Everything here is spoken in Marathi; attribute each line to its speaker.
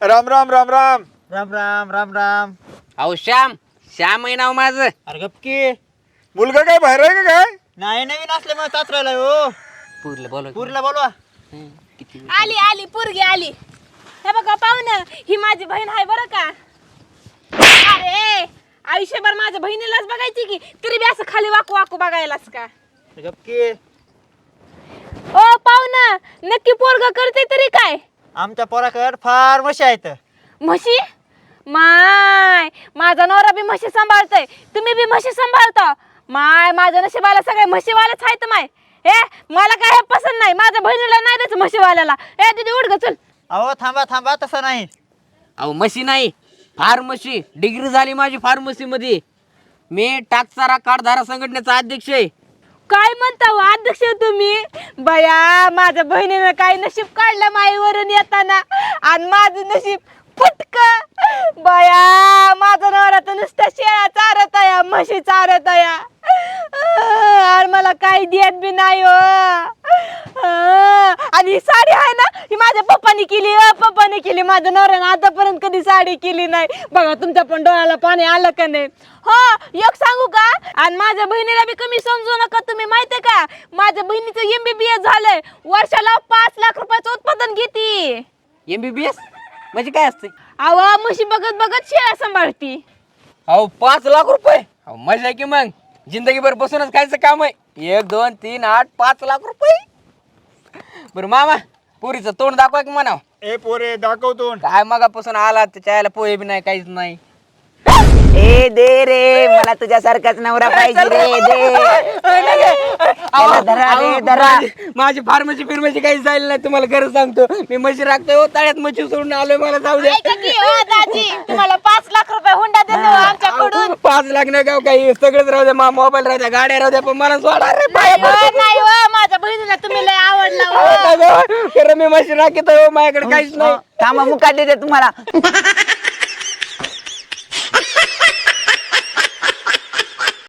Speaker 1: राम राम राम राम.
Speaker 2: राम राम राम राम.
Speaker 3: अहो श्याम आहे नाव माझं.
Speaker 2: अरे गपकी.
Speaker 1: मुलगा काय बाहेर आहे का काय?
Speaker 2: नाही नवीन असल्यामुळे तात्रायला हो.
Speaker 3: पुरलं बोल
Speaker 2: पुरीला बोलवा.
Speaker 4: आली आली पोरगी आली. हे बघा पाहुणं, ही माझी बहीण आहे बरं का. अरे आयुष्यभर माझ्या बहिणीलाच बघायची की तरी बी असं खाली वाकू वाकू बघायलाच का.
Speaker 2: गपकी.
Speaker 4: ओ पाहुणं, नक्की पोरग करते तरी काय?
Speaker 2: आमच्या पोराकडे फार म्हशी आहेत.
Speaker 4: म्हशी? माय माझा नवरा बी म्हशी सांभाळतोय, तुम्ही बी म्हशी सांभाळता. माय माझ्या नशिबाला सगळे म्हशीवालेच आहेत. माय हे मला काय हे पसंत नाही. माझ्या बहिणीला नाही द्यायचं म्हशीवाल्याला. ए दीदी उठ ग चल.
Speaker 2: अहो थांबा थांबा, तसं नाही.
Speaker 3: अहो म्हशी नाही, फार्मसी. डिग्री झाली माझी फार्मसी मध्ये. मी टाकसारा कारधारा संघटनेचा अध्यक्ष आहे.
Speaker 4: काय म्हणता हो अध्यक्ष तुम्ही? बया माझ्या बहिणीनं काय नशीब काढलं माईवरून येताना, आणि माझं नशीब फुटक. बया माझा नवरा तर नुसत्या शेळ्या चारत या, म्हशी चारत या, आणि मला काही देत बी नाही हो. आणि ही साडी आहे ना, ही माझ्या पप्पानी केली. पप्पाने केली. माझ्या नवऱ्यानं आतापर्यंत कधी साडी केली नाही. बघा तुमच्या पण डोळ्याला पाणी आलं का नाही? हो एक सांगू का, आणि माझ्या बहिणीला बी कमी समजू नका तुम्ही. माहितीये का माझ्या बहिणीचं MBBS झालंय. वर्षाला 5 लाख रुपयाचं उत्पादन घेते.
Speaker 3: MBBS म्हणजे काय असते?
Speaker 4: अहो म्हशी बघत बघत शेळ्या सांभाळती.
Speaker 3: अहो 5 लाख रुपये. अहो मजा आहे की मग. जिंदगीभर बसूनच खायचं काम आहे. 1 2 3 8 5 लाख रुपये. बरं मामा, पुरीचं तोंड दाखवा की म्हणाव.
Speaker 1: ए पोरे दाखवतो.
Speaker 3: काय मगापासून आला त्याच्या आयला पोहे बी नाही, काहीच नाही.
Speaker 5: ए दे रे, मला तुझ्यासारखाच नवरा पाहिजे रे. दे त्याला धरा रे, धरा.
Speaker 3: माझी फार्मसी फिरमसी काही जायला नाही. तुम्हाला खरं सांगतो, मी म्हशी राखतोय हो. तळ्यात म्हशी सोडून आलोय. मला जाऊ द्या.
Speaker 4: ऐका की हो दाजी, तुम्हाला 5 लाख रुपये हुंडा देतो आमच्याकडून.
Speaker 3: 5 लाख नाही गाव काही, सगळंच राहू द्या. मोबाईल राहू द्या, गाड्या राहू द्या, पण मला सोडा रे.
Speaker 4: नाही हो, माझ्या बहिणीला तुम्ही लय आवडला हो.
Speaker 3: खरं मी म्हशी राखत हो. माझ्याकडे काहीच नाही.
Speaker 5: थांबा, मुका देते तुम्हाला.